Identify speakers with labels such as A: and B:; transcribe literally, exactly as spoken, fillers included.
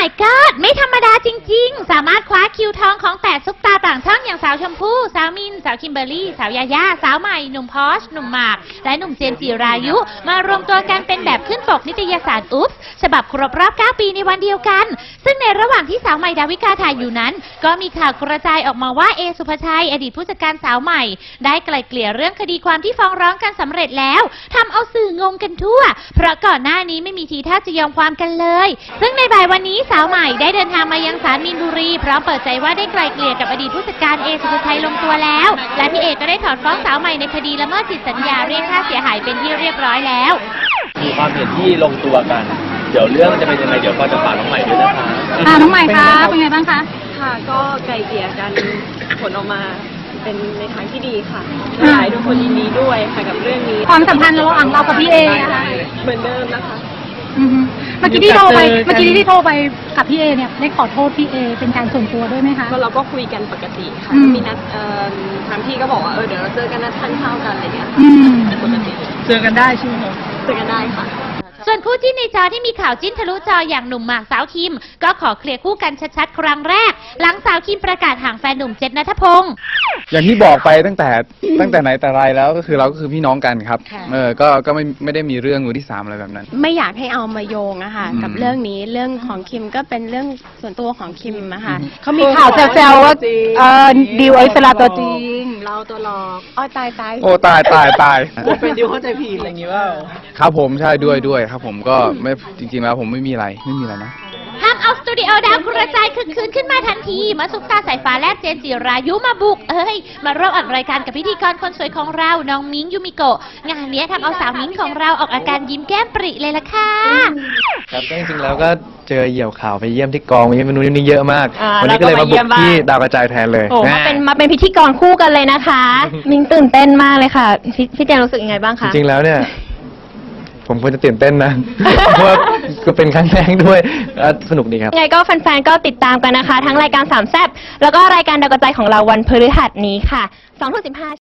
A: my god ไม่ธรรมดาจริงๆสามารถคว้าคิวทองของแปดซุปตาต่างช่องอย่างสาวชมพู่สาวมินสาวคิมเบอร์รี่สาวยาย่าสาวใหม่หนุ่มพอชหนุ่มหมากและหนุ่มเจมส์จิรายุมารวมตัวกันเป็นแบบขึ้นปกนิตยสารอุ๊บฉบับครบรอบเก้าปีในวันเดียวกันซึ่งในระหว่างที่สาวใหม่ดาวิกาถ่ายอยู่นั้นก็มีข่าวกระจายออกมาว่าเอสุภชัยอดีตผู้จัดการสาวใหม่ได้ไกล่เกลี่ยเรื่องคดีความที่ฟ้องร้องกันสำเร็จแล้วทำเอาสื่องงกันทั่วเพราะก่อนหน้านี้ไม่มีทีท่าจะยอมความกันเลยซึ่งในบ่ายวันนี้สาวใหม่ได้เดินทางมายังศาลมีนบุรีพร้อมเปิดใจว่าได้ไกล่เกลี่ยกับอดีตผู้จัดการเอสุภชัยลงตัวแล้วและพี่เอก็ได้ถอนฟ้องสาวใหม่ในคดีละเมิดสิทธิสัญญาเรียกค่าเสียหายเป็นที่เรียบร้อยแล้ว
B: มีความเห็นที่ลงตัวกันเดี๋ยวเรื่องจะเป็นยังไงเดี๋ยวก็จะฝากน้องใหม่ด้วยนะคะ
C: ค่ะน้องใหม่คะเป็นไงบ้างคะ
D: ค่ะก็ไกลเกลี่ยกันผลออกมาเป็นในทางที่ดีค่ะอยากให้ทุกคนยินดีด้วยค่ะกับเรื่องนี้
C: ความสัมพันธ์ระหว่างเรากับพี่เอนะคะ
D: เหมือนเดิมนะคะ
C: เมื่อกี้ที่โทรไปเมื่อกี้ที่โทรไปกับพี่เอเนี่ยได้ขอโทษพี่เอเป็นการส่วนตัวด้วยไหมคะ
D: ก็เราก็คุยกันปกติค่ะมีนัดทางพี่ก็บอกว่าเออเดี๋ยวเราเจอกันนัดทานข้าวกันอะไรเงี้ยปกติ
C: เจอกันได้ใช่ไหม
D: เจอกันได้ค่ะ
A: ส่วนคู่จิ้นในจอที่มีข่าวจิ้นทะลุจออย่างหนุ่มหมากสาวคิมก็ขอเคลียร์คู่กันชัดๆครั้งแรกหลังสาวคิมประกาศห่างแฟนหนุ่มเจษณัฐพงศ์
E: อย่างที่บอกไปตั้งแต่ตั้งแต่ไหนแต่ไรแล้วก็คือเราก็คือพี่น้องกันครับเออก็ก็ไม่ไม่ได้มีเรื่องมือที่สามอะไรแบบนั้น
F: ไม่อยากให้เอามาโยงอะค่ะกับเรื่องนี้เรื่องของคิมก็เป็นเรื่องส่วนตัวของคิมอะค่ะ
C: เขามีข่าวแซวๆว่าเออดิวไอสลาตัวจริง
F: เราตัวหลอกอ้อตายตาย
E: โอ้ตายตายตาย
B: เป็นดิวเข้าใจผิดอะไรอย่างงี้ว่า
E: ครับผมใช่ด้วยด้วยครับผมก็ไม่จริงๆแล้วผมไม่มีอะไรไม่มีอะไรนะ
A: ทำเอาสตูดิโอดาวกระจายคึกคืนขึ้นมาทันทีมาซุปตาสายฟ้าแลบเจนจิรายุมาบุกเอ้ยมาร่วมอัดรายการกับพิธีกรคนสวยของเราน้องมิ้งยูมิโกะงานนี้ทำเอาสาวมิ้งของเราออกอาการยิ้มแก้มปริเลยล่ะค่ะ
G: ครับจริงๆแล้วก็เจอเหยี่ยวข่าวไปเยี่ยมที่กองไปเยี่ยมเมนูนี้เยอะมากวันนี้ก็เลยมาบุกที่ดาวกระจายแทนเลย
F: โอ้มาเป็นมาเป็นพิธีกรคู่กันเลยนะคะมิ้งตื่นเต้นมากเลยค่ะพี่เจนรู้สึกยังไงบ้างคะ
G: จริงๆแล้วเนี่ยผมควรจะตื่นเต้นนะ เพราะว่าก็เป็นครั้งแรกด้วยสนุกดีครับ
F: ยังไงก็แฟนๆก็ติดตามกันนะคะทั้งรายการสามแซ่บแล้วก็รายการดาวกระจายของเราวันพฤหัสนี้ค่ะสองทุ่มสิบห้า